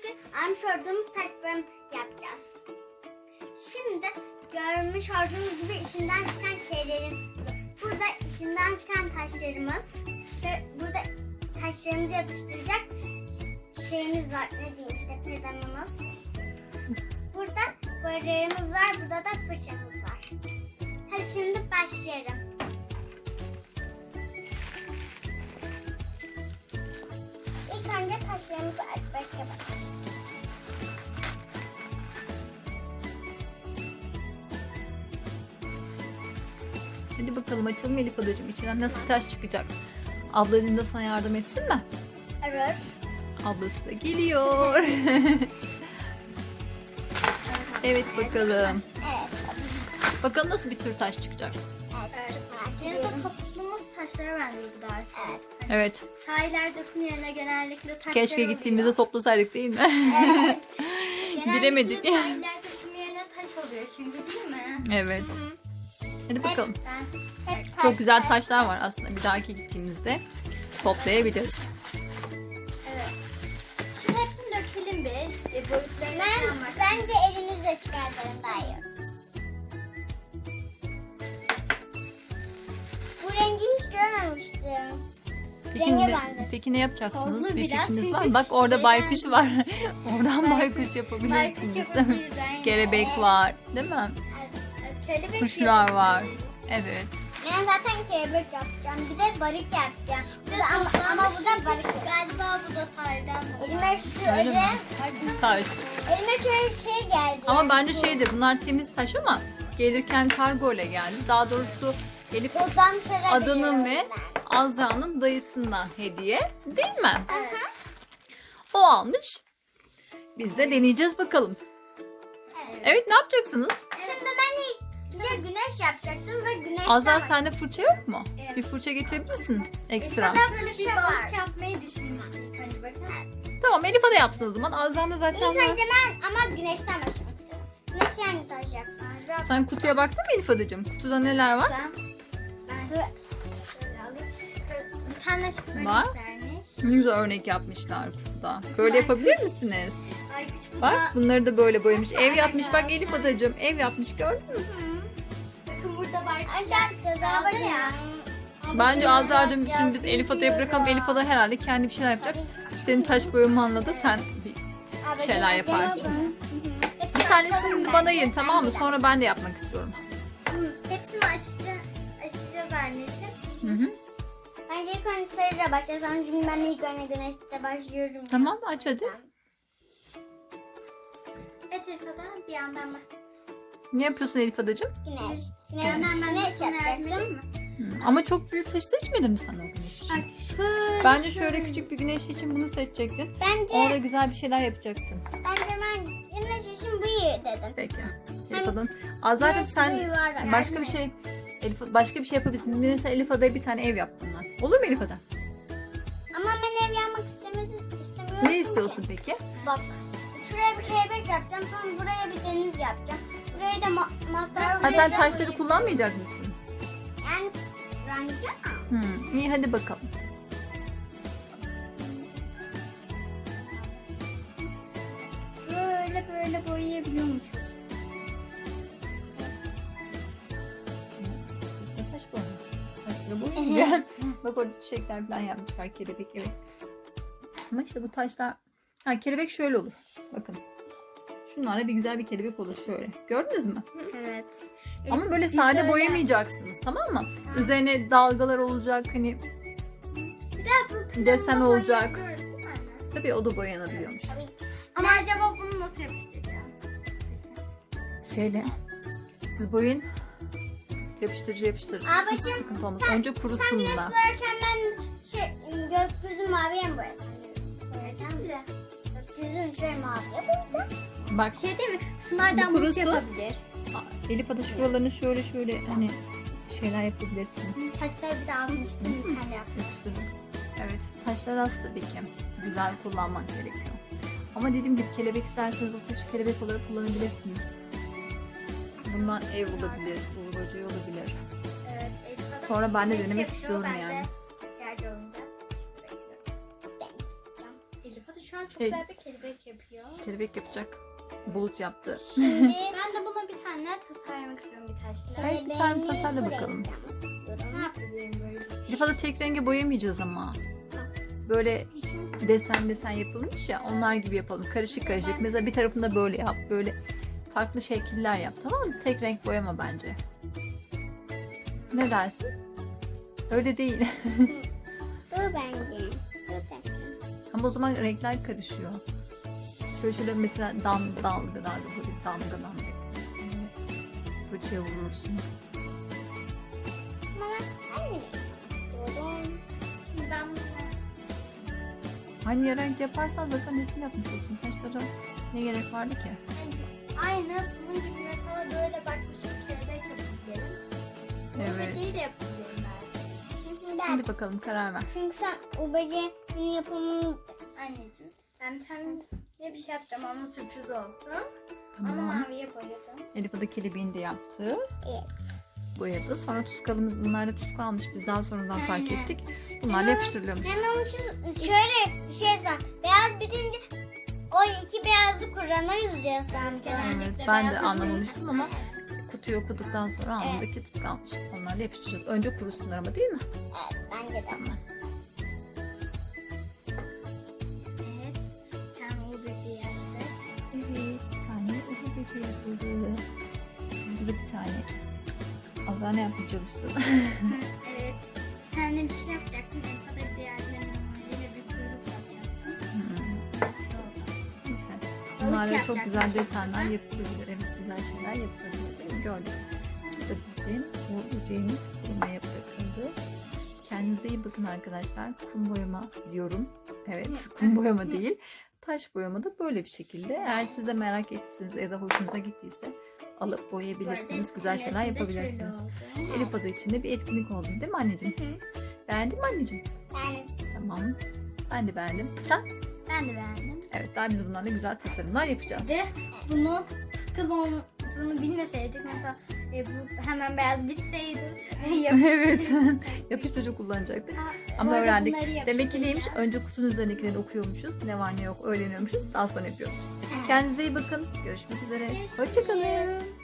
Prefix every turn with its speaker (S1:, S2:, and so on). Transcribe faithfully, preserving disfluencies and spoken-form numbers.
S1: bugün almış olduğumuz taş boyama yapacağız. Şimdi görmüş olduğunuz gibi içinden çıkan şeylerin, burada içinden çıkan taşlarımız ve burada taşlarımızı yapıştıracak şeyimiz var. Ne diyeyim işte pedanımız. Burada boyalarımız var. Burada da fırçamız var. Hadi şimdi başlayalım. İlk önce taşlarımızı açmak yapalım.
S2: Hadi bakalım açalım Elif adacığım. İçinden nasıl taş çıkacak? Ablacığım da sana yardım etsin mi?
S1: Evet.
S2: Ablası da geliyor. Evet bakalım.
S1: Evet.
S2: Bakalım nasıl bir tür taş çıkacak.
S1: Evet.
S3: Yine de toplumumuz taşlara benziyor daha çok.
S1: Evet.
S2: Evet.
S3: Sahiller döküm yerine genellikle taşlar
S2: Keşke
S3: oluyor.
S2: gittiğimizde toplasaydık değil mi?
S1: Evet.
S3: Genellikle
S2: Bilemedik.
S3: Sahiller döküm yerine taş oluyor çünkü değil mi?
S2: Evet. Hadi bakalım.
S3: Ben
S1: Hep
S2: Çok güzel taşlar var aslında. Bir dahaki gittiğimizde toplayabiliriz.
S3: evet. Şimdi hepsini dökelim biz. E, boyutlarına
S1: Ben,
S3: falan bak.
S1: bence elinizle çıkartın daha iyi. Bu rengi hiç görmemiştim.
S2: Peki
S1: Renge
S2: ne,
S1: benzer.
S2: peki ne yapacaksınız?
S3: Tozlu
S2: Bir
S3: biraz
S2: fikriniz
S3: çünkü
S2: var mı? Bak orada
S3: şeyden-
S2: baykuş var. Oradan
S3: Baykuş-
S2: baykuş yapabilirsiniz.
S3: Baykuş
S2: değil mi?
S3: yapabiliriz, aynen.
S2: Kelebek var, değil mi?
S3: Evet, kelebek
S2: Kuşlar
S3: yapabiliriz.
S2: var. Evet.
S1: Ben zaten kelebek yapacağım. Bir de balık yapacağım. Bir de ama, ama bu da balık.
S3: Galiba bu da sahilden.
S1: Elime
S2: Öyle
S1: şöyle,
S2: mi? Taş.
S1: elime şöyle şey geldi.
S2: Ama bence şeydir, bunlar temiz taş ama gelirken kargo ile geldi. Daha doğrusu Elif
S1: Bozan şöyle
S2: Adan'ın
S1: biliyorum
S2: ve
S1: ben.
S2: Azra'nın dayısından hediye, değil mi?
S3: Evet.
S2: O almış. Biz de deneyeceğiz bakalım.
S3: Evet.
S2: Evet, ne yapacaksınız?
S1: Şimdi ben ilk önce güneş yapacaktım ve güneşten
S2: Azra sende fırça yok mu?
S3: Evet.
S2: Bir fırça getirebilirsin ekstra.
S1: Burada böyle
S3: Bir
S1: bir
S3: balık
S1: var.
S3: yapmayı düşünmüştük hani bakın.
S2: Tamam, Elif de yapsın o zaman. Azra'nın da zaten
S1: İlk
S2: var.
S1: önce ben ama güneşten başlamak istiyorum. Güneş hangi taş yapsam? Biraz
S2: Sen kutuya baktın mı Elif adacığım? Kutuda neler var?
S3: Ben, ben
S1: böyle-
S3: şöyle alayım. Bir tane şu örnek
S2: Var.
S3: vermiş.
S2: Ne güzel örnek yapmışlar kutuda. Böyle yapabilir misiniz?
S3: Ay küçük
S2: Bak, bunları da böyle boyamış. Ev yapmış. Bak Elif adacığım, ev yapmış, gördün mü?
S3: Bakın burada baykuş
S1: Aşağı daha
S3: yaptı ya.
S1: ya.
S2: Bence Azra'cığım şimdi biz Elif adaya bırakalım. Elif ada herhalde kendi bir şeyler yapacak. Senin taş boyamanla da sen bir şeyler yaparsın.
S3: Hepsini
S2: Bir tanesini
S3: açalım
S2: bana
S3: bence.
S2: yiyin, tamam mı? Sonra ben de yapmak istiyorum.
S3: Hepsini açacağız, açacağız anneciğim.
S2: Hı hı.
S1: Bence ilk önce sarıyla başlasam çünkü ben ilk önce güneşte başlıyorum.
S2: Tamam, aç hadi.
S3: Evet Elif'e bir yandan bak.
S2: Ne yapıyorsun Elif adacığım?
S1: Güneş.
S3: Bir
S1: Güneş.
S3: yandan ben de
S1: Güneş
S3: sana yardım
S1: yapacaktım.
S3: edeyim mi?
S2: Hı. Ama çok büyük taşı seçmedim mi sana o güneş için?
S3: Bak şöyle.
S2: Bence şöyle küçük bir güneş için bunu seçecektin.
S1: Bence,
S2: Orada güzel bir şeyler yapacaktın.
S1: bence ben güneş için bu iyi dedim.
S2: Peki. Elif adanın. Azra'cığım
S1: Güneş
S2: sen
S1: bu yuvarlak.
S2: başka bir şey Elif, başka bir şey yapabilirsin. Mesela Elif adaya bir tane ev yap bundan. Olur mu Elif ada?
S1: Ama ben ev yapmak istemezi- istemiyorum.
S2: Ne istiyorsun peki?
S1: Bak. Şuraya bir kelebek yapacağım. Sonra buraya bir deniz yapacağım. Buraya da ma- maslar.
S2: Ha, sen taşları kullanmayacak mısın?
S1: Yani rancı.
S2: Hı. İyi, hadi bakalım.
S3: Böyle böyle boyayabiliyormuşuz.
S2: İşte taş boyama. Taşları boyayınca. Bak orada çiçekler falan yapmışlar, kelebek, evet. Ama işte bu taşlar... Ha, kelebek şöyle olur. Bakın. Şunlarla bir güzel bir kelebek olur şöyle. Gördünüz mü?
S3: Evet.
S2: Ama böyle
S3: Biz
S2: sade
S3: öyle
S2: boyamayacaksınız, tamam mı? Üzerine dalgalar olacak, hani
S3: Bir de bu
S2: desen
S3: planla
S2: olacak.
S3: boyayabiliyoruz, değil mi anne?
S2: Tabii o da boyanabiliyormuş.
S3: Ama acaba bunu nasıl yapıştıracağız?
S2: Şöyle. Siz boyayın. Yapıştırıcı yapıştırırsınız. Hiç
S1: Abicim,
S2: sıkıntı olmaz.
S1: sen-
S2: Önce
S1: Sen
S2: kurusun
S1: güneş
S2: bunlar.
S1: boyarken ben şey, gökyüzü maviye mi boyasam?
S3: Boyayacağım da.
S1: Gökyüzünü şöyle maviye boyayacağım.
S2: Bak
S3: Bir şey değil mi? Sınaydan
S2: Bu
S3: bulut
S2: kurusun.
S3: yapabilir.
S2: Elif ada şuralarını şöyle şöyle hani şeyler yapabilirsiniz.
S3: Taşları bir de azmıştım. Bir tane yaptım.
S2: Yapıştırırız. Evet. Taşlar az tabii ki. Güzel kullanmak gerekiyor. Ama dediğim gibi kelebek isterseniz o taşı kelebek olarak kullanabilirsiniz. Bundan ev olabilir, uğur böceği olabilir.
S3: Evet. Elif Ada
S2: Sonra ben de
S3: güneş
S2: denemek
S3: yapıyor,
S2: istiyorum
S3: ben de
S2: yani.
S3: ihtiyacı olunca. Elif Ada şu şu an çok
S2: Evet.
S3: güzel bir kelebek yapıyor.
S2: Kelebek yapacak. Bulut yaptı.
S1: Şimdi
S3: Ben de buna bir tane tasarlamak istiyorum bir taşla.
S2: Evet, bir tane tasarla
S1: bu
S2: bakalım.
S1: renkten
S3: Ne yapabilirim böyle?
S2: Elif Ada tek renge boyamayacağız ama. Böyle desen desen yapılmış ya, onlar gibi yapalım. Karışık karışık. Mesela bir tarafında böyle yap. Böyle farklı şekiller yap, tamam mı? Tek renk boyama bence. Ne dersin? Öyle değil.
S1: Dur bence. Dur dakika.
S2: Ama o zaman renkler karışıyor. Şöyle şöyle mesela dam, dalga dalga böyle damga damga. Fırçaya vurursun.
S1: Ama ben aynı renk istiyorum.
S3: Şimdi ben bunu
S2: Aynı renk yaparsan zaten resim yapmış olsun. Taşlara ne gerek vardı ki?
S3: aynı bunun gibi mesela böyle bak bir şey kelebek yapabilirim.
S2: Evet.
S3: Böceği de yapabilirim ben.
S1: Ben.
S2: Şimdi bakalım, karar ver.
S1: Çünkü sen o böceğin yapımını
S3: Anneciğim ben bir tane ne bir şey yapacağım ama sürpriz olsun. Onu
S2: Tamam.
S3: maviye boyadım.
S2: Elif Ada kelebeğini de yaptı.
S1: Evet.
S2: Boyadı. Sonra tutkalımız, bunlar da tutkal almış. Biz daha sonradan fark
S3: Aynen.
S2: ettik. Bunlarla yapıştırılıyormuş.
S1: Ben onu şu, şöyle bir şey san. Beyaz bitince o iki beyazı kullanırız diye sandım.
S3: Genellikle
S2: Evet, ben de
S3: beyaz
S2: anlamamıştım ama
S3: Evet.
S2: kutuyu okuduktan sonra anladık ki tutkal almış. Onlarla yapıştıracağız. Önce kurusunlar ama, değil mi?
S1: Evet bence de.
S2: Tamam.
S3: Evet. Bir tane o böceği yaptık.
S2: Evet, bir tane uhu böceği yapıldı. Burada da bir tane. Allah ne yapmaya çalıştı?
S3: Evet. Sen de bir şey yapacaktın. En fazla bir diğer yine bir kuyruk yapacaktın.
S2: Hmm,
S3: Nasıl oldu?
S2: neyse.
S3: Balık
S2: Bunlarla çok
S3: yapacakmış
S2: güzel
S3: aslında.
S2: desenler yapılabilir. Evet, güzel şeyler yapılabilir, değil mi? Gördük. Bu da bizim bu böceğimiz kurumaya bırakıldı. Kendinize iyi bakın arkadaşlar. Kum boyama diyorum. Evet, kum boyama değil. Taş boyama da böyle bir şekilde. Eğer siz de merak ettiyseniz ya da hoşunuza gittiyse alıp boyayabilirsiniz. Güzel şeyler
S3: Resimde şöyle
S2: yapabilirsiniz.
S3: oldu.
S2: Elif Ada için de bir etkinlik oldu, değil mi anneciğim?
S1: Hı hı.
S2: Beğendin mi anneciğim?
S1: Ben
S2: Tamam. Ben de beğendim. Sen?
S3: Ben de beğendim.
S2: Evet, daha biz bunlarla güzel tasarımlar yapacağız.
S3: Bir de bunu tutkal olduğunu bilmeseydik mesela e, bu hemen beyaz bitseydi
S2: Evet. Yapıştırıcı kullanacaktık. Ama
S3: Orada
S2: öğrendik.
S3: bunları
S2: Demek ki neymiş?
S3: yapıştıracağız.
S2: Önce kutunun üzerindekileri okuyormuşuz. Ne var ne yok öğreniyormuşuz. Daha sonra yapıyormuşuz.
S3: Evet.
S2: Kendinize iyi bakın. Görüşmek üzere.
S3: Görüşürüz.
S2: Hoşçakalın.